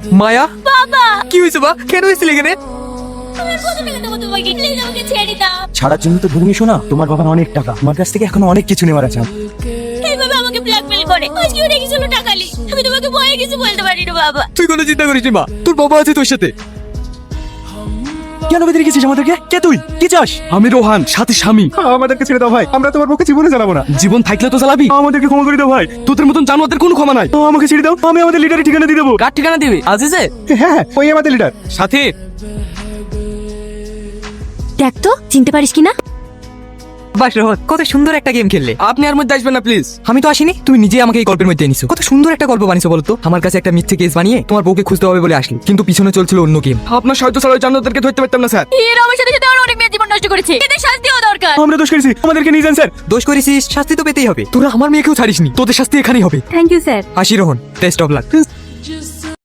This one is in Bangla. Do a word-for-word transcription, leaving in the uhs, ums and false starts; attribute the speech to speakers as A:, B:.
A: মায়া,
B: বাবা
A: কি হয়েছে বা? কেন হয়েছিল এখানে?
B: আমি আর কত টাকা দেবো তোমাকে? প্লিজ আমাকে ছেড়ে দাও।
C: ছাড়ার জন্য তো ধরে শোনা, তোমার বাবার অনেক টাকা, আমার কাছ থেকে এখনো অনেক কিছু নেওয়ার আছে।
B: এইভাবে আমাকে ব্ল্যাকমেল করে আজকেও রেখেছিল টাকালি। আমি তোমাকে ভয়ে কিছু বলতে পারি না বাবা।
A: তুই কোনো চিন্তা করিস নি মা, তোর বাবা আছে তোর সাথে।
C: কেন বেঁধে রেখেছিস আমাদেরকে? কে তুই? কি চাস?
A: আমি রোহান, সাথে স্বামী।
C: আমাদেরকে ছেড়ে দাও ভাই, আমরা তোমার পক্ষে জীবনে চালাবো না।
A: জীবন থাকলে তো চালাবি।
C: আমাদেরকে ক্ষমা করে দাও ভাই,
A: তোদের মতন জানোয়ারদের কোনো ক্ষমা নাই।
C: আমাকে ছেড়ে দাও, আমি আমাদের লিডারের ঠিকানা দিয়ে দেবো।
A: কার ঠিকানা দিবি? আজিজে?
C: হ্যাঁ, ওই আমাদের লিডার।
A: সাথে
B: দেখ তো চিনতে পারিস কিনা।
A: বাস রোহন, কত সুন্দর একটা গেম খেললে। আপনি আর মধ্যে আসবেন না প্লিজ। আমি তো আসিনি, তুমি নিজে আমাকে এই গল্পের মধ্যে এনেছো। কত সুন্দর একটা গল্প বানিয়েছো বলতো। আমার কাছে একটা মিথ্যে কেস বানিয়ে তোমার বউকে খুঁজতে হবে বলে আসলি, কিন্তু পিছনে চলছিল অন্য গেম। আপনার সাহায্য ছাড়া ওই জানোয়ারদেরকে ধরতে পারতাম না স্যার।
B: এর আমার সাথে সাথে আমার অনেক মেয়ের জীবন নষ্ট করেছে, এদের শাস্তিও দরকার।
C: আমরা দোষ করেছি, আমাদেরকে নিয়ে যান স্যার।
A: দোষ করেছিস, শাস্তি তো পেতেই হবে। তোরা আমার মেয়েকেও ছাড়িসনি, তোদের শাস্তি এখানেই হবে।
B: Thank you sir.
A: আসি রোহন, বেস্ট অফ লাক।